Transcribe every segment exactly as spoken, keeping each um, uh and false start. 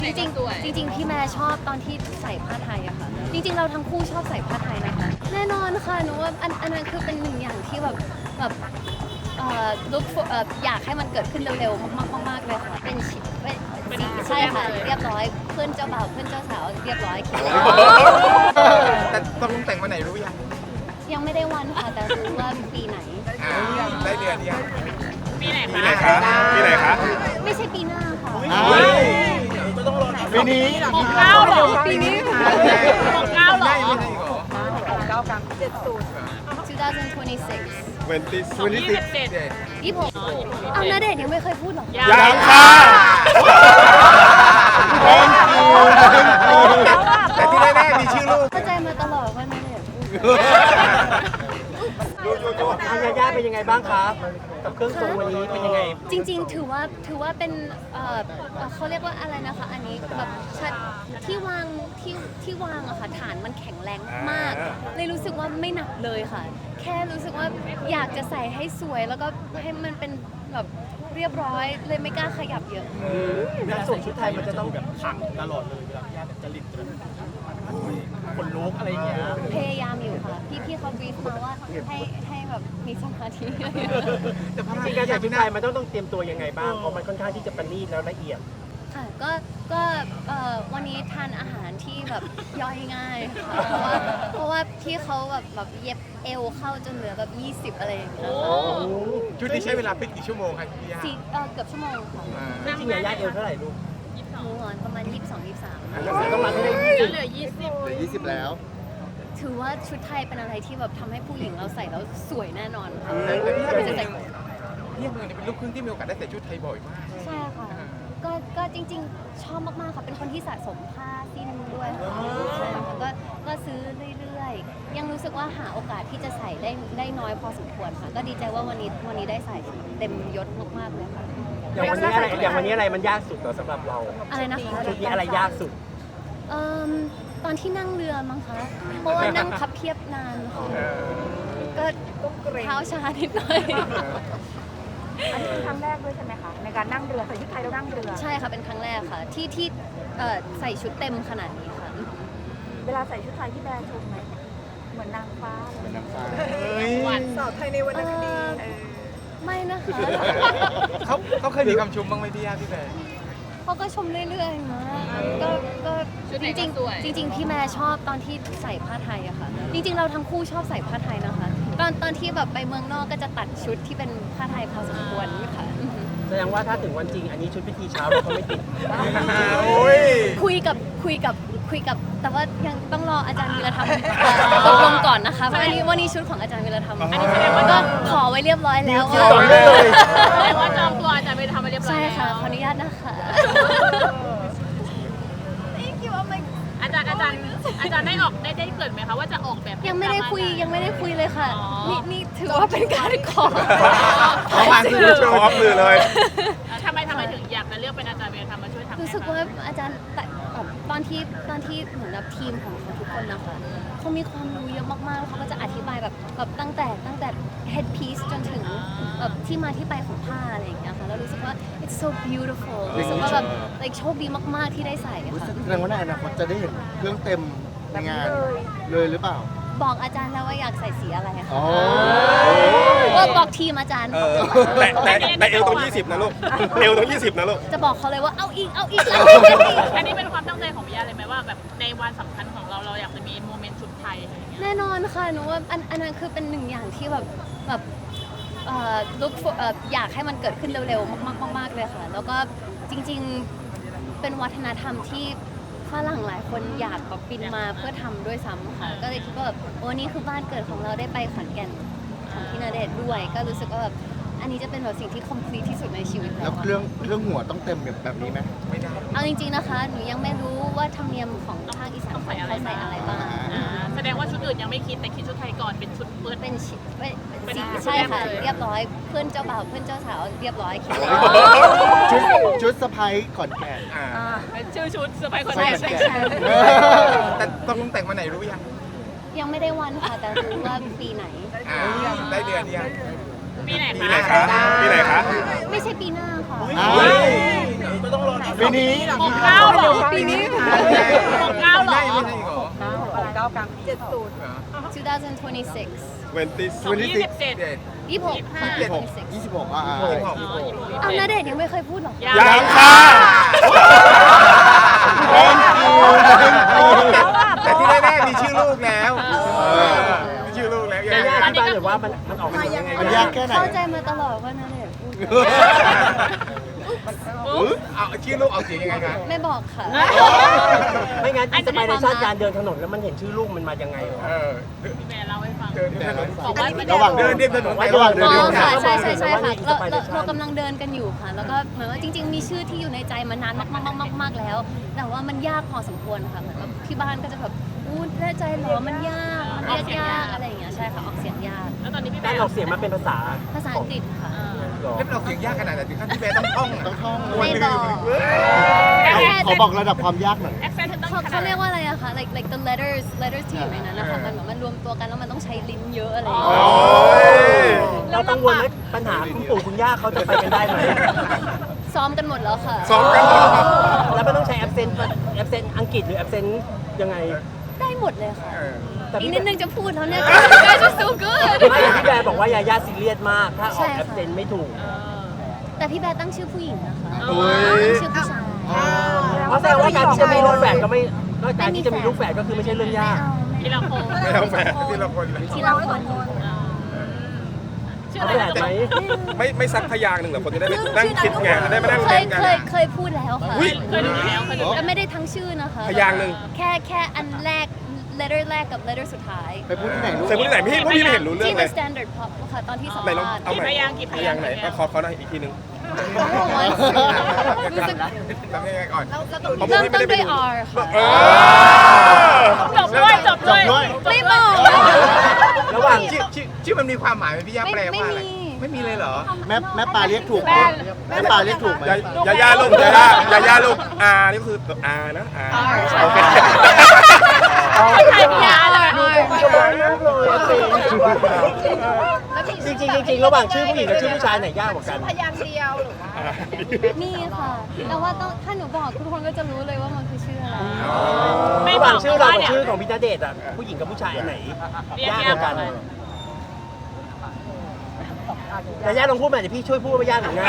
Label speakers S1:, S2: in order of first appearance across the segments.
S1: จริงๆจริงๆพี่แม่ชอบตอนที่ใส่ผ้าไทยอะค่ะจริงๆเราทั้งคู่ชอบใส่ผ้าไทยนะคะแน่นอนค่ะหนูว่าอันอันนั้นคือเป็นหนึ่งอย่างที่แบบแบบเอ่อ look for เอ่ออยากให้มันเกิดขึ้นเร็วๆมากๆมากๆเลยค่ะเป็นชิเป็นสีใช่ค่ะเรียบร้อยเพื่อนเจ้าบ่าวเพื่อนเจ้าสาวเรียบร้อยคิดว่า
S2: แต่ตกลงแต่งวันไหนรู้ยัง
S1: ยังไม่ได้วันค่ะแต่รู้ว่าปีไหน
S2: อ่าได้เดือนยัง
S3: ปีไหน
S4: ปีไหนคะปีไหนคะ
S1: ไม่ใช่ปีหน้าค่ะ
S4: ปีนี้
S3: หกเก้าเหรอปีนี้หกเก้าเหรอ
S2: ไม่ใช่เหรอ
S1: twenty twenty-six
S4: ยี่สิบ
S3: ยี่สิบเจ็ด
S2: เด็ด
S1: ยี่สิบหกเอาณเดชน์ยังไม่เคยพูดหรอ
S4: ยังค่ะแองกิวแองกิว
S2: แต่ที่แน่ๆมีชื่อลูก
S1: เข้าใจมาตลอดว่าณเดชน์พูด
S5: ทางยาย่าเป็นยังไงบ้างครับกับเครื่องทรงวันนี้เป็นยังไง
S1: จริงๆ ถือว่าถือว่าเป็นเอ่อเอ่อเขาเรียกว่าอะไรนะคะอันนี้แบบชัดที่วางที่ที่วางอะค่ะฐานมันแข็งแรงมาก เลยรู้สึกว่าไม่หนักเลยค่ะ แค่รู้สึกว่าอยากจะใส่ให้สวย แล้วก็ให้มันเป็นแบบเรียบร้อยเลยไม่กล้าขยับเยอะ
S5: เวลาสวมชุดไทยมันจะต้องแบบขังตลอดเลยเวลาพี่ย่าแบบจริตคนลุกอะไรอย่างเงี้ย
S1: พยายามอยู่ค่ะ พี่พี่เขาบีฟมาว่าให้ให้แบบมีสมาธิ
S2: แต่พอ
S5: จริงๆการใส่ชุดไทยมันต้องต้องเตรียมตัวยังไงบ้างเพราะมันค่อนข้างที่จะประณีตแล้วละเอียด
S1: ค่ะก็ก็เอ่อวันนี้ทานอาหารที่แบบย่อยง่ายค่ะเพราะว่าเพราะว่าพี่เขาแบบแบบเย็บเอวเข้าจนเหลือแบบยี่สิบอะไรอย่างเงี้ยค่ะ
S2: ชุดนี้ใช้เวลาเป็นกี่ชั่วโมงครับพี่ย่า
S1: สี่เอ่อเกือบชั่วโมงค่ะ
S2: อ่า
S5: จริงๆยาย่าเอวเท่าไหร่ลูก
S1: หนูนอนประมาณยี่สิบสองยี่สิบสาม
S5: ต้องมาให้ได้
S3: แล้วเหลือยี่สิบ
S4: เหลือยี่สิบแล้ว
S1: ถือว่าชุดไทยเป็นอะไรที่แบบทำให้ผู้หญิงเราใส่แล้วสวยแน่นอนค่ะ
S2: แต่แต่พี่ย่า
S1: ไม่
S2: เป็น
S1: จะใส่
S2: พี่ย่าเมืองเนี่ยเป็นลูกครึ่งที่มีโอกาสได้ใส่ชุดไทยบ่อยมาก
S1: ใช่ค่ะก็ก็จริงๆ ชอบมากๆค่ะเป็นคนที่สะสมผ้าสิ้นด้วยค่ะใช่ค่ะก็ก็ซื้อเรื่อยๆ ยังรู้สึกว่าหาโอกาสที่จะใส่ได้ได้น้อยพอสมควรค่ะ ก็ดีใจว่าวันนี้วันนี้ได้ใส่เต็มยศมากๆเลยค่ะ
S5: อย่างวันนี้อะไรอย่างวันนี้อะไรมันยากสุดเหรอสำหรับเรา
S1: อะไรนะคะ
S5: ชุดนี้อะไรยากสุด
S1: เอ่มตอนที่นั่งเรือมั้งคะ เพราะว่านั่งพับเพียบนานค่ะก็เท้าชานิดหน่อย
S6: อันนี้เป็นครั้งแรกด้วยใช่ไหมคะในการนั่งเรือใส่ชุดไทยแล้วนั่งเรือ
S1: ใช่ค่ะเป็นครั้งแรกค่ะ ที่ที่เอ่อใส่ชุดเต็มขนาดนี้ค่ะ
S6: เวลาใส่ชุดไทยที่แบรนด์ชมไหมเหมือนนางฟ้าเลย
S4: เป็นน้ำฟ้า
S6: สาวไทยในวรรณคดี
S1: เอ่อไม่นะคะ
S2: เขาเขาเคยมีคำชมบ้างไหมพี่ย่าพี่แบร์
S1: เขาก็ชมเรื่อยๆนะก็ก็จริงๆจริงๆพี่แม่ชอบตอนที่ใส่ผ้าไทยอะค่ะ จริงๆเราทั้งคู่ชอบใส่ผ้าไทยนะคะ ตอนตอนที่แบบไปเมืองนอกก็จะตัดชุดที่เป็นผ้าไทยพอสมควรค่ะ
S5: แสดงว่าถ้าถึงวันจริงอันนี้ชุดพิธีเช้าเราก็ไม่ติด
S2: โอ้ย
S1: คุยกับคุยกับคุยกับแต่ว่ายังต้องรออาจารย์วีรธรรมตกลงก่อนนะคะเพราะอันนี้วันนี้ชุดของอาจารย์วีรธรรม
S4: อันนี้แสดง
S1: ก็
S4: ว่า
S1: ขอไว้เรียบร้อยแล้ว
S4: คิวต่อเลย
S3: แสดงว่าจองตัวอาจารย์ไปทำมาเรียบร้อย
S1: ใช่
S3: แล้ว
S1: ค่ะขออนุญาตนะคะ
S3: อาจารย์อาจารย์อาจารย์ได้ออกได้ได้เกริดไหมคะว่าจะออกแบบ
S1: ยังไม่ได้คุยยังไม่ได้คุยเลยค่ะ
S3: อ๋อ
S1: นี่นี่ถือว่าเป็นการขอ
S2: เขามาคือโช
S4: พร้อม
S2: ว์
S4: มือเลย
S3: ทำไมทำไมถึงอยากจะเลือกเป็นอาจารย์เบลทำมาช่วยทำ
S1: รู้สึกว่าอาจารย์แต่แบบตอนที่ตอนที่เหมือนแบบทีมของเขาทุกคนนะคะเขามีความรู้เยอะมากๆแล้วเขาก็จะอธิบายแบบแบบตั้งแต่ตั้งแต่ head piece จนถึงแบบที่มาที่ไปของผ้าอะไรอย่างเงี้ยค่ะแล้วรู้สึกว่า it's so beautiful รู้สึกว่าแบบ like โชคดีมากๆที่ได้ใส่ค่ะ
S4: แสดงว่าในอนาคตจะได้เห็นเครื่องเต็มในงานเลยหรือเปล่า
S1: บอกอาจารย์แล้วว่าอยากใส่สีอะไร
S4: อ๋อ
S1: ค่ะว่าบอกทีมอาจารย์
S4: แต่แต่แต่เอวตรงยี่สิบนะลูก เอวตรงยี่สิบนะลูก
S1: จะบอกเขาเลยว่าเอาอีกเอาอีกเอาอีกเอาอีก
S3: อันนี้เป็นความตั้งใจของพี่ยาเลยไหมว่าแบบในวันสำคัญของเราเราอยากจะมีโมเมนต์ชุดไทยอะไรอย่างเงี้ย
S1: แน่นอนค่ะหนูว่าอันอันนั้นคือเป็นหนึ่งอย่างที่แบบแบบเอ่อ look for เอ่ออยากให้มันเกิดขึ้นเร็วๆมากๆมากๆเลยค่ะ แล้วก็จริงๆเป็นวัฒนธรรมที่ฝรั่งหลายคนอยากแบบบินมาเพื่อทำด้วยซ้ำค่ะ ก็เลยคิดว่าแบบโอ้นี่คือบ้านเกิดของเราได้ไปขอนแก่นของพี่ณเดชน์ด้วย ก็รู้สึกว่าแบบอันนี้จะเป็นแบบสิ่งที่ complete ที่สุดในชีวิต
S4: แล้
S1: แล้ว ว
S4: เครื่องเครื่องหัวต้องเต็มแบบแบบนี้ไหม
S2: ไม่ได้
S1: เอาจริงๆนะคะหนูยังไม่รู้ว่าธรรมเนียมของภาคอีสานเขาใส่อะไรบ้าง
S3: อ่าแสดงว่าชุดอื่นยังไม่คิดแต่คิดชุดไทยก่อนเป็นชุดเปิด
S1: เป็นชิเป็น
S3: เป็น
S1: สี
S3: ชุด
S1: ใช่ค่ะ
S3: แรกเลย
S1: เรียบร้อยเพื่อนเจ้าบ่าวเพื่อนเจ้าสาวเรียบร้อยคิดว่า
S4: ชุดชุดสะพายขอนแก่น
S2: อ่า
S3: เป็นชื่อชุดเซอร์ไพรส์คน
S1: ใช่
S3: แรก
S1: ใช่
S3: ใช่
S1: ใช่
S2: แต่ตกลงแต่งวันไหนรู้ยัง
S1: ยังไม่ได้วันค่ะแต่รู้ว่าปีไหน
S2: อ่าได้เดือนยัง
S3: ปีไหน
S4: ปีไหนคะ ปีไหนคะ
S1: ไม่ใช่ปีหน้าค่ะ
S4: อ้าว
S5: ก็ต้องรอ
S4: ปีนี้
S3: หกเก้าเหรอ
S6: ปีนี้
S3: หกเก้าเหรอ
S2: ไม่ไม่ใช่เหรอ
S6: หกเก้ากลางปีเจ็ดศูนย์
S1: twenty twenty-six
S2: เวนติส
S3: สองยี่สิบเจ็ด
S2: เจ็ด
S1: ยี่สิบหกค่ะ
S2: ยี่สิบหก
S1: twenty-six
S4: ยี่สิบหกอ่ะ
S2: ยี่สิบหก
S1: อ้าวณเดชน์ยังไม่เคยพูดหรอ
S3: ยัง
S2: ยังค่ะ แต่ที่แน่ๆมีชื่อลูกแล้วมีชื่อลูกแล้ว
S5: ยาย่าอธิบายหน่อยว่ามันมันออกมายังไง
S4: มันยากแค่ไหน
S1: เข้าใจมาตลอดว่าณเดชน์พูด
S2: เอาชื่อลูกเอาเสียงยังไงคะ
S1: ไม่บอกค่ะ
S5: ไม่งั้นสมัยในชาติการเดินถนนแล้วมันเห็นชื่อลูกมันมายังไง
S2: เออ
S3: พี่แม่เล่าให้ฟัง
S2: เดินเดิน
S3: บอกว่าพี่
S4: ระหว่าง
S2: เดินเดินถนนไประ
S4: หว่างเดิน
S1: อ๋
S4: เดิ
S1: อน ค่ะ
S4: ทาง
S1: ใช่ใช่ใช่ค่ะเราเราเรากำลังเดินกันอยู่ค่ะ แล้วก็เหมือนว่าจริง ๆ มีชื่อที่อยู่ในใจมานานมากมากมากมากแล้ว แต่ว่ามันยากพอสมควรค่ะเหมือนแบบที่บ้านก็จะแบบอู้แน่ใจเหรอมันยากมันเรียกยากอะไรอย่างเงี้ยใช่ค่ะออกเสียงยาก
S3: แล้วตอนนี้พี่แม่
S5: การออกเสียงมันเป็นภาษา
S1: ภาษาอังกฤษค่ะ
S5: หรอ
S2: เล่นเราเสียงยากขนาดไหนถึงขั้นที่แม่ต้องท่อง
S4: ต้องท่อง
S1: ไม่บอก
S4: ขอบอกระดับความยากหน่อย
S3: แอคเซนต์เธอต้อง
S1: เขา
S3: ขนา
S1: เขา
S3: ด
S1: เรียกว่าอะไรอะคะ like like the letters letters ที่อยู่ในนั้นนะคะมันแบบมันรวมตัวกันแล้วมันต้องใช้ลิ้นเยอะอะไรอย่างเงี้ย
S5: เรากังวลไหมปัญหาคุณปู่คุณย่าเขาจะไปกันได้ไหม
S1: ซ้อมกันหมดแล้วค่ะ
S2: ซ้อมกันหมดครับ
S5: แล้วมันต้องใช้แอปเซนต์แอปเซนต์อังกฤษหรือแอปเซนต์ยังไง
S1: ได้หมดเลยค่ะ
S2: เออ
S5: แต่
S1: อีก
S5: พี่
S1: นิดนึงจะพูดแล้วเนี่ย guys are so good
S5: ไม่พี่แบร์บอกว่ายาย่าซีเรียสมาก ถ้าอ
S1: ใช่
S5: อก
S1: ค่ะ
S5: แอปเซนต์ไม่ถูก
S1: แต่พี่แบร์ตั้งชื่อผู้หญิงนะคะ
S2: โอ้ย
S1: ตั้งชื่อผู้ชาย
S5: เพราะแสดงว่าการที่จะมีลูกแฝดก็ไม่ก็การที่จะมีลูกแฝดก็คือไม่ใช่เรื่องยาก
S3: ทีละคน
S2: ไม่เอาแฝดทีละคนเลย
S1: ทีละคน
S3: ชื่อ
S5: เอา
S3: อะไร
S5: แฝดไหม
S7: ไม่ไม่ซักพยางค์หนึ่งเหรอคนจะได้ไปนั่งคิดไงจะได้มานั่ง
S1: เค
S7: เล่
S1: ย
S7: นกัน
S1: เคยเคยพูดแล้วค่ะ
S3: เคยดูแล้วเคยดู
S1: แต่ไม่ได้ทั้งชื่อนะคะ
S7: พยางค์หนึ่ง
S1: แค่แค่อันแรก letter แรกกับ letter สุดท้าย
S4: ไปพูดที่ไหนลูก
S7: ใส่พูดที่ไหนพี่พวกพี่ไม่เห็นรู้เรื่อ
S1: ที่
S7: งเล
S1: The
S7: ย
S1: Standard Pop ค่ะตอนที่สัม
S7: ไหนลอง
S1: ภาษณ์
S7: เอาใหม่
S3: พยางค์กี่พ
S7: พ
S3: ยาย
S7: าง ง
S3: ค์
S7: ค์ไหนเอาขอเขาหน่อยอีกทีหนึง
S1: รู้สึก
S2: ทำยังไงก่อน
S7: เพราะพวก
S1: เริ่ม
S7: พี่ไม่
S1: ต้น
S7: ได้ไป
S1: ด้วย
S7: ดู
S1: R ค่ะ
S7: เออ
S3: จบด้วยจบด้วย
S1: ไม่บอก
S5: ระหว่าง
S2: ชื่อชื่อชื่อมันมีความหมายไหมพี่ย่าแปลว่าอะไร
S1: ไม่มี
S2: ไม่มีเลยเหรอ
S4: แม่แม่ปลาเรียกถูกไหมแม่ปลาเรียกถูกไหม
S7: ยายาย่าลูกยายายายาลูกอานี่ก็คืออานะอาโอเค
S3: ใครพี่ยาเลย
S5: จริงๆจริงๆระหว่างชื่อผู้หญิงกับชื่อผู้ชายไหนยากกว่ากัน
S6: พยางค์เดียวหรือว่า
S1: มีค่ะ แต่ว่าต้องถ้าหนูบอกทุกคนก็จะรู้เลยว่ามันคือชื่ออะไร
S3: ไม่
S5: ระห
S3: บ
S5: ว่า
S3: อง ก
S5: ชื่อเรา
S3: ว่า
S5: กับ
S3: เนี่ย
S5: ชื่อของพี่ณเดชน์อ่ะผู้หญิงกับผู้ชายอันไหน
S3: เรียก
S5: ยาก
S3: ยาก
S5: กว่ากันยาย่าลองพูดมาเดี๋ยวพี่ช่วยพูดว่ายากหรือง่าย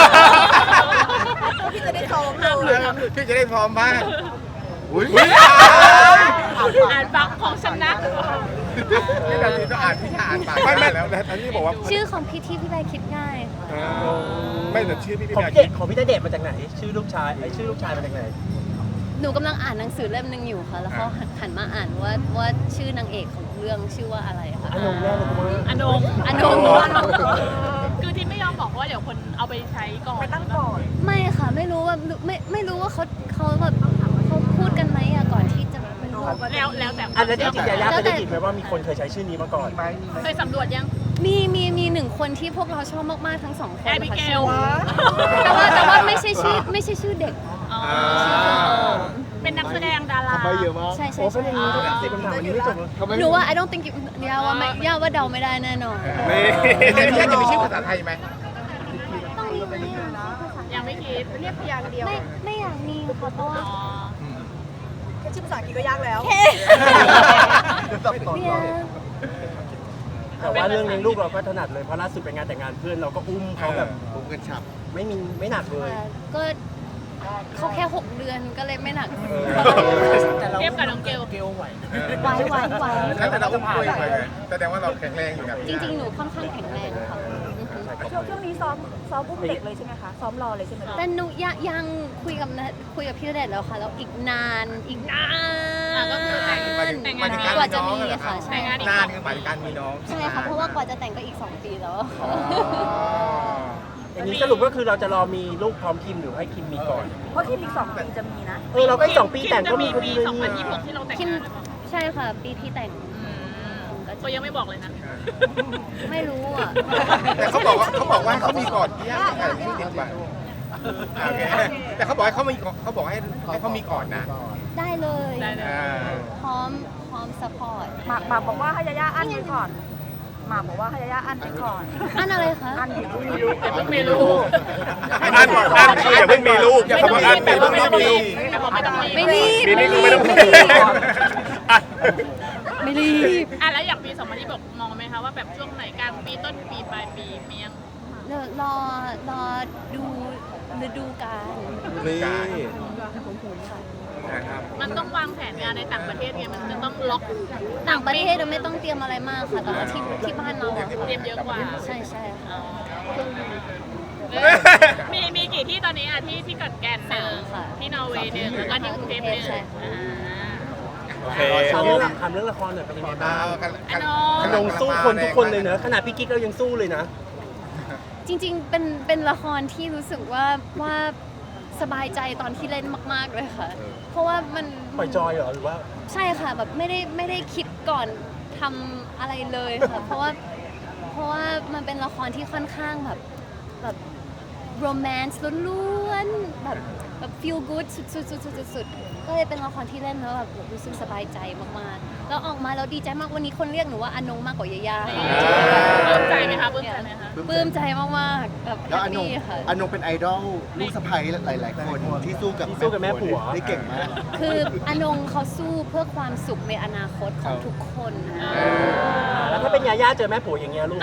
S6: พี่จะได้ซ้อม
S3: ห้ามหลุดห้าม
S2: พี่จะได้พร้อมบ้าง
S4: อุ้ย
S3: อ่านบักของฉันนะ
S2: นี่นาทีต้องอ่านพี่ชาอ่านปาก
S7: ไม่ไม่
S2: แล้ว
S7: อันนี้บอกว่า
S1: ชื่อของพี่ที่พี่ใบคิดง่ายค่ะ
S7: อ่าไม่แต่ชื่อพี่พี่
S5: ของ
S7: แบ
S5: พี่
S7: ร์
S5: เดชของพี่ณเดชน์มาจากไหน ชื่อลูกชายไอ้ชื่อลูกชายมาจากไหน
S1: หนูกำลังอ่านหนังสือเล่มหนึ่งอยู่ค่ะ แล้วเขาหันมาอ่านว่าว่าชื่อนางเอกของเรื่องชื่อว่าอะไรค่ะ
S5: อนงแน่เลยคุณว่า
S3: อนง
S1: อนง
S3: คือที่ไม่ยอมบอกว่าเดี๋ยวคนเอาไปใช้ก่อน
S6: ไปตั้งก่อน
S1: ไม่ค่ะ ไม่รู้ว่าไม่ไม่รู้ว่าเขาเขาแบบเขาพูดกันไหมอะก่อนที่จะเป็นรูป
S3: แล้วแล้วแต่
S5: อันนั้นจริงๆยาย่าเคยได้ยินไหมว่ามีคนเคยใช้ชื่อนี้มาก่อน
S3: เคยสำรวจยัง
S1: มีมีมีหนึ่งคนที่พวกเราชอบมากๆทั้งสองคน
S3: แอบิเก
S1: ค่ะ
S3: ล
S1: แต่ว่าแต่ว่าไม่ใช่ชื่อไม่ใช่ชื่อเด็ก
S3: อ๋อ
S1: ชื่อคนโต
S3: เป็นนักแสดงดารา
S4: ทำไปเยอะมาก
S1: ใช่ใช่
S5: โอ้เป็
S1: ใช่
S5: นอย่างนี้ต้องสิบคำถามวันนี้ไม่จบเลย
S4: ทำไม
S1: หนูว่า I don't think you ย่าว่าไม่ย่าว่าเดาไม่ได้แน่นอน
S7: นี่
S2: แต่พี่ย่าจะมีชื่อภาษาไทยไหม
S1: ต้องมีไหมอะ
S3: ยังไม่คิด
S6: เรียกพยางค์เดียว
S1: ไม่ไม่อยากมีค่ะเพราะว่า
S3: อ๋อ
S6: แค่ชื่อภาษาอังกฤษก็ยากแล้ว
S1: เนี่ย
S5: แต่ว่าเรื่องเลี้ยงลูกเราก็ถนัดเลยเพราะล่าสุดไปงานแต่งงานเพื่อนเราก็อุ้มเขาแบบ
S4: ผมกันฉับ
S5: ไม่มีไม่หนักเลย
S1: ก็เขาแค่หกเดือนก็เลยไม่หนัก
S3: เทียบกับน้องเกล
S1: ไหวไหวไหว
S2: แล้วแต่เราอุ้มคุยไปไงแสดงว่าเราแข็งแรงอยู่นะ
S1: จริงๆ หนูค่อนข้างแข็งแรงค่ะอือฮึ
S6: ช่วงช่วงนี้ซ้อมซ้อมอุ้มเด็กเลยใช่ไหมคะ ซ้อมรอเลยใช่ไหมคะ
S1: แต่หนูยังยังคุยกับนะคุยกับพี่ณเดชน์แล้วค่ะ แล้วอีกนานอีกนาน
S3: อ่ะก็คือแต่ง
S2: หมายถึงหมายถึงการ
S1: กว่า
S2: มี
S1: จะ
S2: น้อง
S1: มี
S2: เหรอ
S1: ค่ะ ใช่ค่ะ
S2: นานคือหมายถึงการมีน้อง
S1: ใช่ค่ะ เพราะว่ากว่าจะแต่งก็อีกสองปีแล้วอะค่ะ
S5: อย่างนี้สรุปก็คือเราจะรอมีลูกพร้อมคิมหรือให้คิมมีก่อน
S6: เพราะที่อีกสองปีจะมีนะ
S5: เออเราก็อีกสองปีแต่งก็มีพอดี
S3: ปี
S5: เลย
S3: สองพัน
S5: นี่
S3: ยี่สิบหกที่เราแต่ง
S1: คิม
S3: งาน
S1: ใช่ค่ะ ปีที่แต่ง
S3: ก็ยังไม่บอกเลยนะ
S1: ไม่รู้อ่ะ
S2: แต่เขาบอกว่าเขาบอกว่าให้เขามีก่อนพี่ย่าไม่ใช่ที่ติดไปโอเคแต่เขาบอกให้เขามีเขาบอกให้ให้เขามีก่อนนะ
S1: ได้เลย
S3: ได้เลย
S2: อ่า
S1: พร้อมพร้อมซัพพอร์ต
S6: หมากหมากบอกว่าให้ยาย่าอั้นไว้ก่อน หหมากบอกว่าให้ยาย่าอันไปก่อน
S1: อันอะไรคะ
S6: อันอยู่ที่
S3: ไม่รู้แต่เพิ่งมีลูก
S7: อันอันคืออย่าเพิ่งมีลูกอย่า
S3: ไม่
S7: เพิ่
S3: ต้อง
S7: ง
S3: มี
S7: อัน
S3: แต่
S7: มี
S3: ว่า
S7: ลูก
S3: ไม่
S7: ต้
S3: ต้
S7: อ
S3: อง ง
S7: มี
S3: มีแต่ว่าไม่ต้องมี
S1: ไม่รีบ
S7: ปีนี้คือไม่ต้องมี
S1: ไม่รีบ
S7: อ่ะ
S1: ไม่รีบ
S3: อ่ะแล้วอย่างปีสองพันยี่สิบหกมองไหมคะว่าแบบช่วงไหนกลางปีต้นปีปลายปีมียัง
S1: เดี๋ยวรอรอดูฤดูกาล
S7: นี่
S2: นะครับ
S3: มันต้องวางแผนงานในต่างประเทศไงมันจะต้องล็อก
S1: ต่างประเทศเราไม่ต้องเตรียมอะไรมากค่ะแต่ว่าที่ที่บ้านเราอะ
S3: เตรียมเยอะกว่า
S1: ใช่ใช่ค่ะ
S3: มีมีกี่ที่ตอนนี้อ่ะที่ที่เกิดแก่นหนึ่งที่นอร์เวย์หนึ่งแล้วก็ที่กรุงเทพหนึ่งอ่า
S7: โอเค
S5: ถามเรื่องถามเรื่องละครหน่อยเป็นยังไงบ้าง
S3: อันน
S5: อนนงสู้คนทุกคนเลยเนอะขนาดพี่กิ๊กเรายังสู้เลยนะ
S1: จริงๆเป็นเป็นละครที่รู้สึกว่าว่าสบายใจตอนที่เล่นมาก ๆเลยค่ะ เพราะว่ามัน
S5: ปล่อยจอยเหรอหรือว่า
S1: ใช่ค่ะแบบไม่ได้ไม่ได้คิดก่อนทำอะไรเลยค่ะ เพราะว่าเพราะว่ามันเป็นละครที่ค่อนข้างแบบแบบโรแมนต์ล้วนๆแบบแบบ feel good สุดๆๆๆๆก็เลยเป็นละครที่เล่นแล้วแบบรู้สึกสบายใจมากๆแล้วออกมาแล้วดีใจมากวันนี้คนเรียกหนูว่าอนงมากกว่ายาย่า
S3: ปลื้มใจไหมคะปลื้มใจไหมคะ
S1: ปลื้มใจมากๆแบบแฮ
S4: แล้ว
S1: ป
S4: อนง
S1: ปี้ค่ะ
S4: อนงเป็นไอดอลลูกสะใภ้หลาย ๆ คนที่สู้กับ
S5: ที่สู้กับแม่ผัว
S4: ได้เก่งมาก
S1: คืออนงเขาสู้เพื่อความสุขในอนาคตของทุกคน
S5: แล้วถ้าเป็นยาย่าเจอแม่ผัวอย่างเงี้ยลูก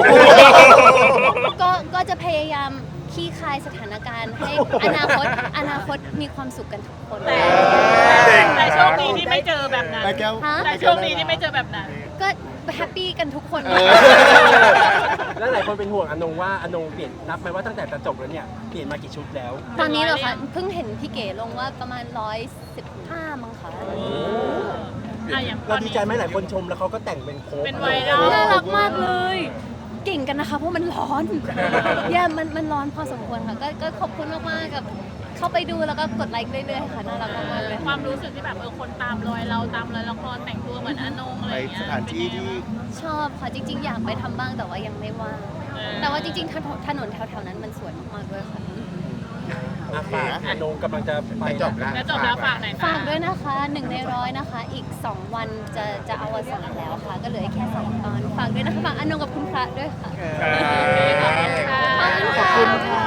S1: ก็ก็จะพยายามขี้คายสถานการณ์ให้อนาคตอนาคตมีความสุขกันทุกคน
S3: แต่แต่โชคดีที่ไม่เจอแบบนั้น
S4: แม่แก้ว
S1: ฮะ
S3: แต่โชคดีที่ไม่เจอแบบนั้น
S1: ก็แฮปปี้กันทุกคน
S4: เออ
S5: แล้วหลายคนเป็นห่วงอนงว่าอนงเปลี่ยนนับไหมว่าตั้งแต่จะจบแล้วเนี่ยเปลี่ยนมากี่ชุดแล้ว
S1: ตอนนี้เหรอคะเพิ่งเห็นพี่เก๋ลงว่าประมาณร้อยสิบห้ามั้งคะ
S3: อ่ะอย่างต
S5: เรา
S3: อน
S5: ดี
S3: นี้
S5: ใจไหมหลายคนชมแล้วเขาก็แต่งเป็นโค้ก
S3: เป็นไวรัล
S1: น่ารักมากเลย เก่งกันนะคะเพราะมันร้อนแย่มันมันร้อนพอสมควรค่ะก็ก็ขอบคุณมากๆกับเข้าไปดูแล้วก็กดไลค์เรื่อยๆค่ะน่ารักมากๆเลย
S3: ความรู้สึกที่แบบเออคนตามรอยเราตามรอยละครแต่งตัวเหมือนอนงอะไร
S4: ไป
S3: อย่างเงี้ย
S4: สถานที่ที่
S1: ชอบค่ะจริง ๆ อยากไปทำบ้างแต่ว่ายังไม่ว่าง
S3: เออ
S1: แต่ว่าจริงๆถนนถนนแถวๆนั้นมันสวยมากๆด้วยค่ะ
S5: อ่ะฝากอนงกำลังจะไป
S2: จบแล้ว
S3: แล้วจบแล้วฝากไหนอย
S1: ฝากด้วยนะคะหนึ่งในร้อยนะคะ อีก สอง วันจะจะอวสานแล้วค่ะ ก็เหลือแค่สองตอน ฝากด้วยนะคะฝากอนงกับคุณพระด้วยค่ะ
S3: ขอบคุณค่ะ
S1: ขอบคุณค่ะ